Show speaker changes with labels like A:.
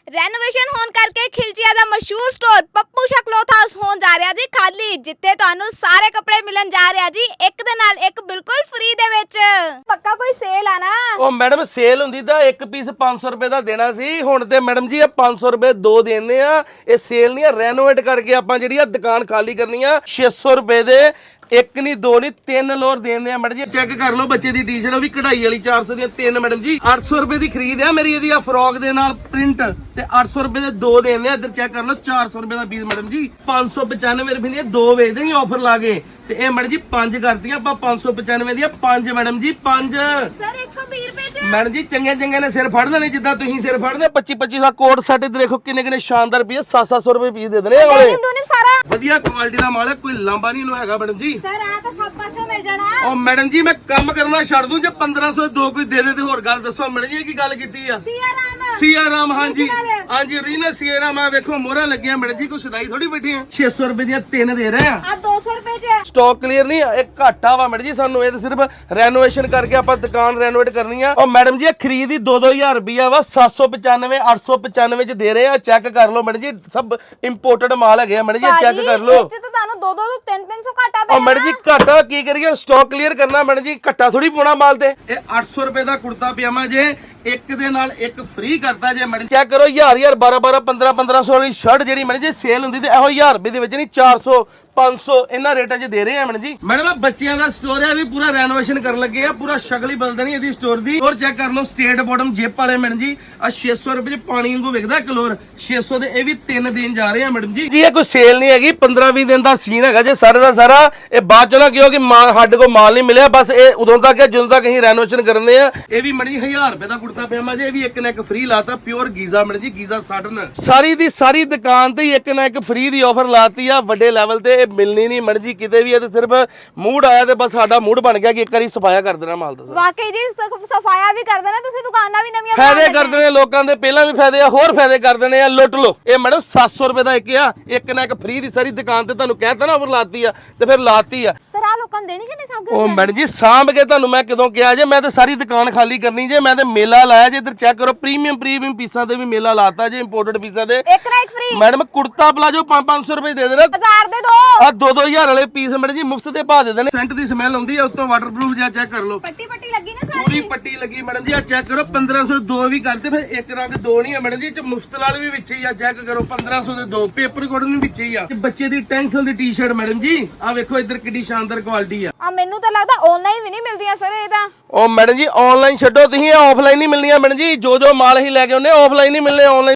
A: Renovation ਹੋਣ ਕਰਕੇ ਖਿਲਚੀਆਂ ਦਾ ਮਸ਼ਹੂਰ ਸਟੋਰ ਪੱਪੂ ਸ਼ਾ ਕਲੌਥ ਹਾਊਸ ਹੋਣ ਜਾ ਰਿਹਾ ਜੀ ਖਾਲੀ, ਜਿੱਥੇ ਤੁਹਾਨੂੰ ਸਾਰੇ ਕੱਪੜੇ ਮਿਲਣ ਜਾ ਰਿਹਾ ਜੀ ਇੱਕ ਦੇ ਨਾਲ ਇੱਕ ਬਿਲਕੁਲ ਫ੍ਰੀ ਦੇ ਵਿੱਚ। ਪੱਕਾ ਕੋਈ ਸੇਲ ਆ ਨਾ?
B: ਉਹ ਮੈਡਮ ਸੇਲ ਹੁੰਦੀ ਤਾਂ ਇੱਕ ਪੀਸ 500 ਰੁਪਏ ਦਾ ਦੇਣਾ ਸੀ, ਹੁਣ ਤੇ ਮੈਡਮ ਜੀ ਇਹ 500 ਰੁਪਏ ਦੋ ਦੇਣੇ ਆ। ਇਹ ਸੇਲ ਨਹੀਂ ਆ, ਰੈਨੋਵੇਟ ਕਰਕੇ ਆਪਾਂ ਜਿਹੜੀ ਆ ਦੁਕਾਨ ਖਾਲੀ ਕਰਨੀ ਆ। 600 ਰੁਪਏ ਦੇ ਇੱਕ ਨਹੀਂ ਦੋ ਨਹੀਂ ਤਿੰਨ ਲੋਰ ਦੇਣੇ ਆ ਮੈਡਮ ਜੀ। ਚੈੱਕ ਕਰ ਲਓ ਬੱਚੇ ਦੀ ਟੀ-ਸ਼ਰਟ, ਉਹ ਵੀ ਕਢਾਈ ਵਾਲੀ 400 ਦੀਆਂ ਤਿੰਨ ਮੈਡਮ ਜੀ। 800 ਰੁਪਏ ਦੀ ਖਰੀਦ ਆ ਮੇਰੀ ਇਹਦੀ ਆ ਫਰੋਕ ਦੇ ਨਾਲ ਪ੍ਰਿੰਟ, ਤੇ 800 ਰੁਪਏ ਦੇ ਦੋ ਦੇਣੇ ਆ। ਇੱਧਰ ਚੈੱਕ ਕਰ ਲਓ 400 ਰੁਪਏ ਦਾ ਪੀਸ ਮੈਡਮ ਜੀ। 595 ਰੁਪਏ ਦੀਆਂ ਦੋ ਵੇਚਦੇ ਹੀ ਆਫਰ ਲਾ ਕੇ, ਤੇ ਇਹ ਮੈਡਮ ਜੀ ਪੰਜ ਕਰਤੀਆਂ ਆਪਾਂ 595 ਦੀਆਂ ਪੰਜ ਮੈਡਮ ਜੀ ਪੰਜ।
A: ਸਰ 120 ਰੁਪਏ ਚ
B: ਮੈਡਮ ਜੀ ਚੰਗੇ ਚੰਗੇ ਨੇ ਸਿਰ ਫੜ ਦੇਣੇ, ਜਿੱਦਾਂ ਤੁਸੀਂ ਸਿਰ ਫੜਦੇ 25 ਦਾ ਕੋਟ ਸੈੱਟ ਤੇ ਦੇਖੋ ਕਿੰਨੇ ਕਿੰਨੇ ਸ਼ਾਨਦਾਰ ਪੀਸ 700 ਰੁਪਏ ਪੀਸ ਦੇ ਦੇਣੇ ਵਾਲੇ।
A: ਸਾਰਾ
B: ਵਧੀਆ ਕੁਆਲਿਟੀ ਦਾ ਮਾਲ ਹੈ, ਕੋਈ ਲਾਂਬਾ ਨਹੀਂ ਹੈਗਾ ਮੈਡਮ ਜੀ।
A: ਸਰ ਆ ਤਾਂ ਸਭ ਪਾਸੇ ਮਿਲ ਜਾਣਾ।
B: ਉਹ ਮੈਡਮ ਜੀ ਮੈਂ ਕੰਮ ਕਰਨਾ ਛੱਡ ਦੂੰ ਜੇ 1500 ਦੋ ਕੋਈ ਦੇ ਦੇ ਤੇ ਹੋਰ ਗੱਲ ਦੱਸੋ ਮੈਡਮ ਜੀ ਕੀ ਗੱਲ ਕੀਤੀ ਆ? ਸੀਆ ਰਾਮ ਹਾਂਜੀ ਹਾਂਜੀ ਰੀਨਾ ਸੀਆ ਰਾਮ। ਆ ਵੇਖੋ ਮੋਹਰਾਂ ਲੱਗੀਆਂ ਮੈਡਮ ਜੀ, ਕੋਈ ਸਦਾਈ ਥੋੜੀ ਬੈਠੀ ਆ। 600 ਰੁਪਏ ਦੀਆਂ ਤਿੰਨ ਦੇ ਰਹੇ ਆ।
A: ਆ 200 ਰੁਪਏ ਚ
B: ਸਟਾਕ ਕਲੀਅਰ ਨਹੀਂ ਆ, ਇਹ ਘਾਟਾ ਵਾ ਮੈਡਮ ਜੀ ਸਾਨੂੰ। ਇਹ ਤਾਂ ਸਿਰਫ ਰੈਨੋਵੇਸ਼ਨ ਕਰਕੇ ਆਪਾਂ ਦੁਕਾਨ ਰੈਨੋਵੇਟ ਕਰਨੀ ਆ। ਉਹ ਮੈਡਮ ਜੀ ਇਹ ਖਰੀਦ ਹੀ 2-2000 ਰੁਪਿਆ ਵਾ, 795 895 ਚ ਦੇ ਰਹੇ ਆ। ਚੈੱਕ ਕਰ ਲਓ ਮੈਡਮ ਜੀ, ਸਭ ਇੰਪੋਰਟਡ ਮਾਲ ਹੈਗੇ ਆ ਮੈਡਮ ਜੀ, ਚੈੱਕ ਕਰ ਲਓ।
A: ਤੇ ਤੁਹਾਨੂੰ 2-2 ਤੋਂ 3-300 ਘਾਟਾ
B: ਉਹ ਮੈਡਮ ਜੀ ਘਾਟਾ ਕੀ ਕਰੀਏ, ਸਟਾਕ ਕਲੀਅਰ ਕਰਨਾ ਮੈਡਮ ਜੀ, ਘਾਟਾ ਥੋੜੀ ਪਾਉਣਾ ਮਾਲ ਤੇ। ਇਹ 800 ਰੁਪਏ ਦਾ ਕੁੜਤਾ ਪਜਾਮਾ ਜੇ ਇੱਕ ਦੇ ਨਾਲ ਇੱਕ ਫ੍ਰੀ ਕਰਤਾ ਜੇ ਮੈਡਮ। ਚੈੱਕ ਕਰੋ 1000 1200 1500 ਵਾਲੀ ਸ਼ਰਟ ਜਿਹੜੀ ਮੈਡਮ ਜੀ ਸੇਲ ਹੁੰਦੀ ਤੇ ਇਹੋ 1000 ਰੁਪਏ ਦੇ ਵਿੱਚ ਨਹੀਂ 400 500 ਇਹਨਾਂ ਰੇਟਾਂ 'ਚ ਦੇ ਰਹੇ ਆ ਮੈਡਮ ਜੀ। ਮੈਡਮ ਬੱਚਿਆਂ ਦਾ ਸਟੋਰ ਹੈ, ਵੀ ਪੂਰਾ ਰੈਨੋਵੇਸ਼ਨ ਕਰਨ ਲੱਗੇ ਆ, ਪੂਰਾ ਸ਼ਕਲ ਹੀ ਬਦਲ ਦੇਣੀ ਇਹਦੀ ਸਟੋਰ ਦੀ। ਹੋਰ ਚੈੱਕ ਕਰ ਲਓ ਸਟੇਟ ਬਾਟਮ ਜਿਪ ਵਾਲੇ ਮੈਡਮ ਜੀ, ਆ 600 ਰੁਪਏ 'ਚ ਪਾਣੀ ਵਾਂਗੂ ਵਿਕਦਾ ਕਲੋਰ, 600 ਦੇ ਇਹ ਵੀ ਤਿੰਨ ਦੇਣ ਜਾ ਰਹੇ ਆ ਮੈਡਮ ਜੀ। ਜੀ ਇਹ ਕੋਈ ਸੇਲ ਨਹੀਂ ਹੈਗੀ, 15-20 ਦਿਨ ਦਾ ਸੀਨ ਹੈਗਾ ਜੇ ਸਾਰੇ ਦਾ ਸਾਰਾ। ਇਹ ਬਾਅਦ ਚੋਂ ਨਾ ਕਿਉਂ ਕਿ ਸਾਡੇ ਕੋਲ ਮਾਲ ਨਹੀਂ ਮਿਲਿਆ, ਬਸ ਇਹ ਉਦੋਂ ਤੱਕ ਹੈ ਜਦੋਂ ਤੱਕ ਅਸੀਂ ਰੈਨੋਵੇਸ਼ਨ ਕਰਨੇ ਆ। ਇਹ ਵੀ ਮੈਡਮ ਜੀ 1000 ਰੁਪਏ ਦਾ ਕੁੜਤਾ ਪਜਾਮਾ ਜੇ, ਇਹ ਵੀ ਇੱਕ ਨਾ ਇੱਕ ਫ੍ਰੀ ਲਾਤਾ, pure Giza madam ji, Giza satin. ਸਾਰੀ ਦੀ ਸਾਰੀ ਦੁਕਾਨ ਤੇ ਹੀ ਇੱਕ ਨਾ ਇੱਕ ਫ੍ਰੀ ਦੀ ਆਫਰ ਲਾਤੀ ਆ, ਵੱਡੇ ਲੈਵਲ ਤੇ। ਇਹ ਮਿਲਣੀ ਨਹੀਂ ਮੈਡਮ ਜੀ ਕਿਤੇ ਵੀ। ਇਹ ਤੇ ਸਿਰਫ ਮੂਡ ਆਇਆ ਤੇ ਬਸ ਸਾਡਾ ਮੂਡ ਬਣ ਗਿਆ ਕਿ ਇੱਕ ਵਾਰੀ ਸਫਾਇਆ ਕਰ ਦੇਣਾ ਮਾਲ ਦਾ।
A: ਵਾਕਈ ਜੀ ਸਫਾਇਆ ਵੀ ਕਰ ਦੇਣਾ ਤੁਸੀਂ, ਦੁਕਾਨਾਂ ਵੀ ਨਵੀਆਂ
B: ਫਾਇਦੇ ਕਰ ਦੇਣੇ ਲੋਕਾਂ ਦੇ, ਪਹਿਲਾਂ ਵੀ ਫਾਇਦੇ ਆ, ਹੋਰ ਫਾਇਦੇ ਕਰ ਦੇਣੇ ਆ। ਲੁੱਟ ਲੋ। ਇਹ ਮੈਡਮ 700 ਰੁਪਏ ਦਾ ਇੱਕ ਆ, ਇੱਕ ਨਾ ਇੱਕ ਫ੍ਰੀ ਦੀ ਸਾਰੀ ਦੁਕਾਨ ਤੇ ਤੁਹਾਨੂੰ ਕਹਿਤਾ ਨਾ ਆਫਰ ਲਾਤੀ ਆ, ਤੇ ਫਿਰ ਲਾਤੀ ਆ।
A: ਸਰ ਆ ਲੋਕਾਂ ਨੂੰ ਦੇਣੀ ਕਿ ਨਹੀਂ ਸਾਂਭ?
B: ਉਹ ਮੈਡਮ ਜੀ ਸਾਂਭ ਕੇ ਤੁਹਾਨੂੰ ਮੈਂ ਕਦੋਂ ਕਿਹਾ ਜੇ, ਮੈਂ ਤੇ ਸਾਰੀ ਦੁਕਾਨ ਖਾਲੀ ਕਰਨੀ ਜੇ। ਮੈਂ ਤੇ ਮੇਲਾ ਲਾਇਆ ਜੇ, ਇੱਧਰ ਚੈੱਕ ਕਰੋ ਪ੍ਰੀਮੀਅਮ ਪੀਸਾਂ ਤੇ ਵੀ ਮੇਲਾ ਲਾਤਾ ਜੇ, ਇੰਪੋਰਟਡ ਪੀਸਾਂ ਦੇ
A: ਇੱਕ ਨਾ ਇੱਕ ਫ੍ਰੀ।
B: ਮੈਡਮ ਕੁੜਤਾ ਪਲਾਜੋ 500 ਰੁਪਏ ਦੇ ਦੇਣਾ,
A: 1000 ਦੇ ਦੋ।
B: ਆ 2-2000 ਵਾਲੇ ਪੀਸ ਮੈਡਮ ਜੀ ਮੁਫਤ ਦੇ ਪਾ ਦੇ ਦੇਣੇ। ਸੈਂਟ ਦੀ ਸਮੈਲ ਆਉਂਦੀ ਆ, ਉੱਤੋਂ ਵਾਟਰਪ੍ਰੂਫ ਜਿਹਾ ਚੈੱਕ ਕਰ ਲਓ।
A: ਪੱਟੀ ਲੱਗੀ ਨਾ ਸਾਰੀ,
B: ਪੂਰੀ ਪੱਟੀ ਲੱਗੀ ਮੈਡਮ ਜੀ। ਆ ਚੈੱਕ ਕਰੋ 1500 ਦੋ ਵੀ ਕਰਦੇ, ਫਿਰ ਇੱਕ ਰੰਗ ਦੋ ਨਹੀਂ ਆ ਮੈਡਮ ਜੀ, ਚ ਮੁਫਤ ਵਾਲੇ ਵੀ ਵਿੱਚ ਹੀ ਆ। ਚੈੱਕ ਕਰੋ 1500 ਦੇ ਦੋ, ਪੇਪਰ ਕੋਟਨ ਵੀ ਵਿੱਚ ਹੀ ਆ। ਬੱਚੇ ਦੀ ਟੈਂਸਲ ਦੀ ਟੀ-ਸ਼ਰਟ ਮੈਡਮ ਜੀ, ਆ ਵੇਖੋ ਇੱਧਰ ਕਿੰਨੀ ਸ਼ਾਨਦਾਰ ਕੁਆਲਿਟੀ ਆ।
A: ਆ ਮੈਨੂੰ ਤਾਂ ਲੱਗਦਾ ਆਨਲਾਈਨ ਵੀ ਨਹੀਂ ਮਿਲਦੀਆਂ ਸਰ ਇਹ ਤਾਂ।
B: ਉਹ ਮੈਡਮ ਜੀ ਆਨਲਾਈਨ ਛੱਡੋ ਤੁਸੀਂ, ਆਫਲਾਈਨ ਹੀ ਮਿਲਣੀਆਂ ਮੈਡਮ ਜੀ। ਜੋ ਮਾਲ ਹੀ ਲੈ ਕੇ ਆਉਂਦੇ ਆਫਲਾਈਨ ਹੀ ਮਿਲਣੇ, ਆਨਲਾਈਨ